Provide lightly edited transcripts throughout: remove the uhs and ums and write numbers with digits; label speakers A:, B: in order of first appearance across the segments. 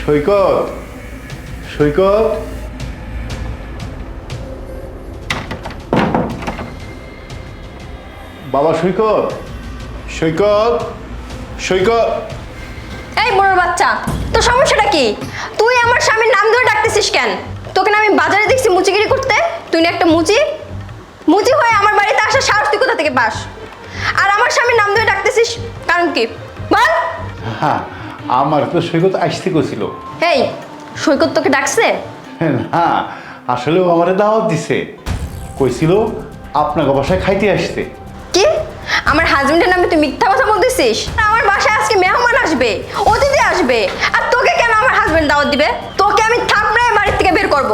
A: সৈকত, সৈকত, বাবা সৈকত, সৈকত, সৈকত।
B: এই বড় বাচ্চা, তোর সমস্যাটা কি? তুই আমার স্বামীর নাম ধরে ডাকতেছিস কেন? তোকে না আমি বাজারে দেখছি মুচিগিরি করতে। তুই না একটা মুচি, মুচি হয়ে আমার বাড়িতে আসার সাহস তুই কোথা থেকে পাস? আর আমার স্বামীর নাম ধরে ডাকতেছিস কারণ কি বল?
A: হ্যাঁ, আমার তো সৈকত আসতে গেছিল।
B: এই সৈকত তোকে ডাকছে?
A: না, আসলেও আমারে দাওয়াত দিছে, কইছিল আপনাকে বাসায় খাইতে আসতে।
B: কি? আমার হাজবেন্ডের নামে তুই মিথ্যা কথা বলতেছিস? আমার বাসায় আজকে মেহমান আসবে, অতিথি আসবে, আর তোকে কেন আমার হাজবেন্ড দাওয়াত দিবে? তোকে আমি থাপড়ায় বাড়ি থেকে বের করব।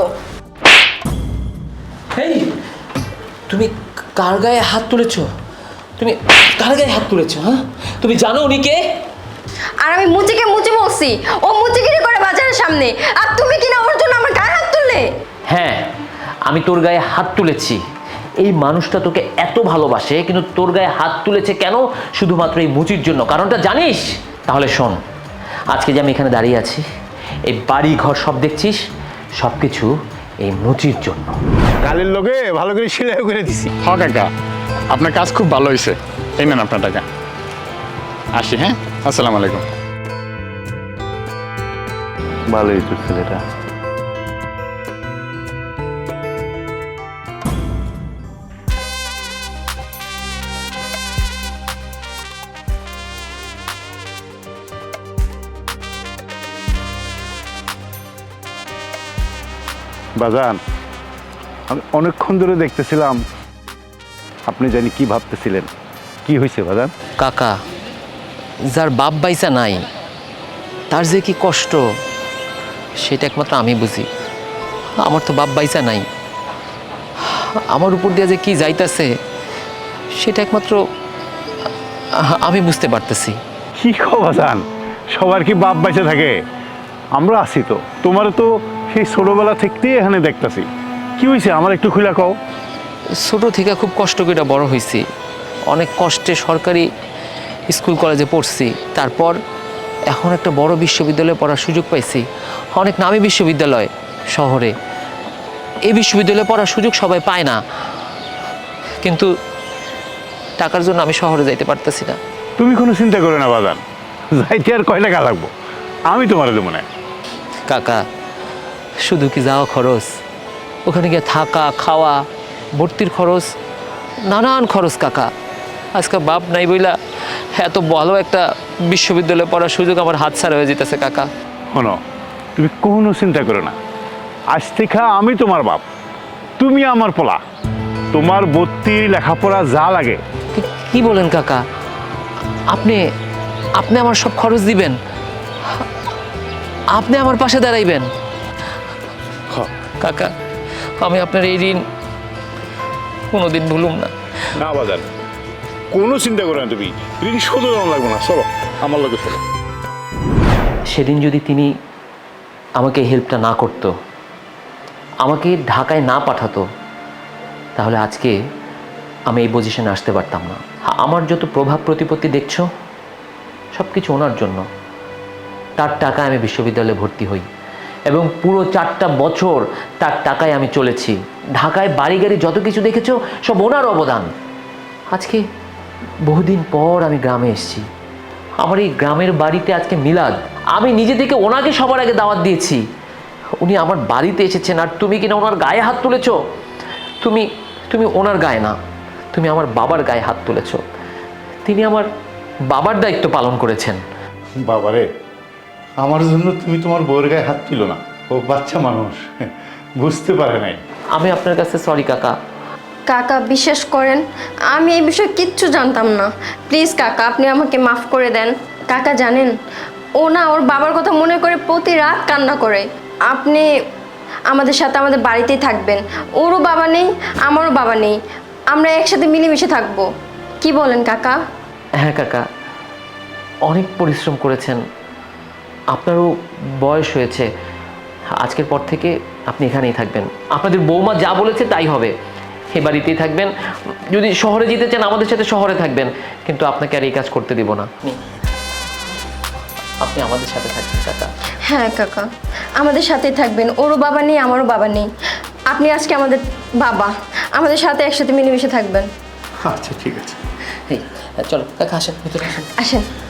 C: এই তুমি কার গায়ে হাত তুলেছো? তুমি কার গায়ে হাত তুলেছো? হ্যাঁ, তুমি জানো উনি কে?
B: আর আমি মুচিকে মুচি বলছি, ও মুচিগিরি করে বাজারের সামনে, আর তুমি কিনা ওর জন্য আমার গায়ে হাত তুললে?
C: হ্যাঁ, আমি তোর গায়ে হাত তুলেছি। এই মানুষটা তোকে এত ভালোবাসে, কিন্তু তোর গায়ে হাত তুলেছে কেন? শুধুমাত্র এই মুচির জন্য। কারণটা জানিস? তাহলে শোন, আজকে যে আমি এখানে দাঁড়িয়ে আছি, এই বাড়ি ঘর সব দেখছিস, সব কিছু এই মুচির জন্য।
A: কালের লোকে ভালো করে সেলাই করে দিছি।
D: হ কাকা, আপনার কাজ খুব ভালো হয়েছে। এই নেন আপনার টাকা। আসি, হ্যাঁ, আসসালামু আলাইকুম।
A: ভালোই তো ছেলেটা। বাজান, আমি অনেকক্ষণ ধরে দেখতেছিলাম আপনি জানি কি ভাবতেছিলেন। কি হয়েছে বাজান?
C: কাকা, যার বাপ বাইসা নাই তার যে কি কষ্ট সেটা একমাত্র আমি বুঝি। আমার তো বাপ বাইসা নাই, আমার উপর দিয়ে যে কি যাইতাছে সেটা একমাত্র আমি বুঝতে পারতেছি।
A: কি কও বাজান, সবার কি বাপ বাইসে থাকে? আমরা আছি তো, তোমার তো সেই ছোটবেলা থেকেই এখানে দেখতেছি। কি হয়েছে আমার একটু খুলে কও।
C: ছোট থেকে খুব কষ্ট করে বড় হয়েছি, অনেক কষ্টে সরকারি স্কুল কলেজে পড়ছি, তারপর এখন একটা বড় বিশ্ববিদ্যালয়ে পড়ার সুযোগ পাইছি, অনেক নামী বিশ্ববিদ্যালয় শহরে। এই বিশ্ববিদ্যালয়ে পড়ার সুযোগ সবাই পায় না, কিন্তু টাকার জন্য আমি শহরে যাইতে পারতেছি না।
A: তুমি কোনো চিন্তা করো না বাজান, যাইতে আর কয় টাকা লাগবো, আমি তোমার দেবো না।
C: কাকা, শুধু কি যাওয়া খরচ? ওখানে গিয়ে থাকা, খাওয়া, ভর্তির খরচ, নানান খরচ কাকা। আজকে বাপ নাই বইলা এত ভালো একটা বিশ্ববিদ্যালয়ে পড়ার সুযোগ আমার হাতছাড়া হয়ে যেতেছে কাকা।
A: শোনো, তুমি কোনো চিন্তা করো না, আজ থেকে আমি তোমার বাপ, তুমি আমার পোলা। তোমার ভর্তি লেখাপড়া যা লাগে।
C: কি বলেন কাকা? আপনি আপনি আমার সব খরচ দিবেন? আপনি আমার পাশে দাঁড়াইবেন? কাকা, আমি আপনার এই ঋণ কোনোদিন ভুলুম না।
A: না বাজান, কোনো চিন্তা করো না, তুমি ঋণ শোধ করা লাগবে না। চলো আমার লোকে চলো।
C: সেদিন যদি তিনি আমাকে হেল্পটা না করতো, আমাকে ঢাকায় না পাঠাতো, তাহলে আজকে আমি এই পজিশনে আসতে পারতাম না। আমার যত প্রভাব প্রতিপত্তি দেখছো, সব কিছু ওনার জন্য। তার টাকায় আমি বিশ্ববিদ্যালয়ে ভর্তি হই এবং পুরো 4টা বছর তার টাকায় আমি চলেছি। ঢাকায় বাড়ি গাড়ি যত কিছু দেখেছো, সব ওনার অবদান। আজকে বহুদিন পর আমি গ্রামে এসেছি, আমার এই গ্রামের বাড়িতে আজকে মিলাদ। আমি নিজে থেকে ওনাকে সবার আগে দাওয়াত দিয়েছি, উনি আমার বাড়িতে এসেছেন, আর তুমি কিনা ওনার গায়ে হাত তুলেছ। তুমি তুমি ওনার গায়ে না, তুমি আমার বাবার গায়ে হাত তুলেছ। তিনি আমার বাবার দায়িত্ব পালন করেছেন।
A: বাবারে, আমার জন্য তুমি তোমার বউয়ের গায়ে হাত তুলো না, ও বাচ্চা মানুষ, বুঝতে পারে নাই।
C: আমি আপনার কাছে সরি কাকা।
B: কাকা বিশ্বাস করেন, আমি এই বিষয়ে কিচ্ছু জানতাম না। প্লিজ কাকা, আপনি আমাকে মাফ করে দেন। কাকা জানেন, ও না ওর বাবার কথা মনে করে প্রতি রাত কান্না করে। আপনি আমাদের সাথে আমাদের বাড়িতেই থাকবেন। ওরও বাবা নেই, আমারও বাবা নেই, আমরা একসাথে মিলেমিশে থাকবো। কি বলেন কাকা?
C: হ্যাঁ কাকা, অনেক পরিশ্রম করেছেন, আপনারও বয়স হয়েছে। আজকের পর থেকে আপনি এখানেই থাকবেন। আপনাদের বৌমা যা বলেছে তাই হবে, এ বাড়িতেই থাকবেন। যদি শহরে যেতে চান আমাদের সাথে শহরে থাকবেন, কিন্তু আপনাকে আর এই কাজ করতে দিব না। আপনি আমাদের সাথে থাকবেন কাকা।
B: হ্যাঁ কাকা, আমাদের সাথেই থাকবেন। ওরও বাবা নেই, আমারও বাবা নেই। আপনি আজকে আমাদের বাবা, আমাদের সাথে একসাথে মিলেমিশে থাকবেন।
A: আচ্ছা ঠিক আছে।
C: এই চলো কাকা, আসেন ভিতরে আসেন।
B: আসেন।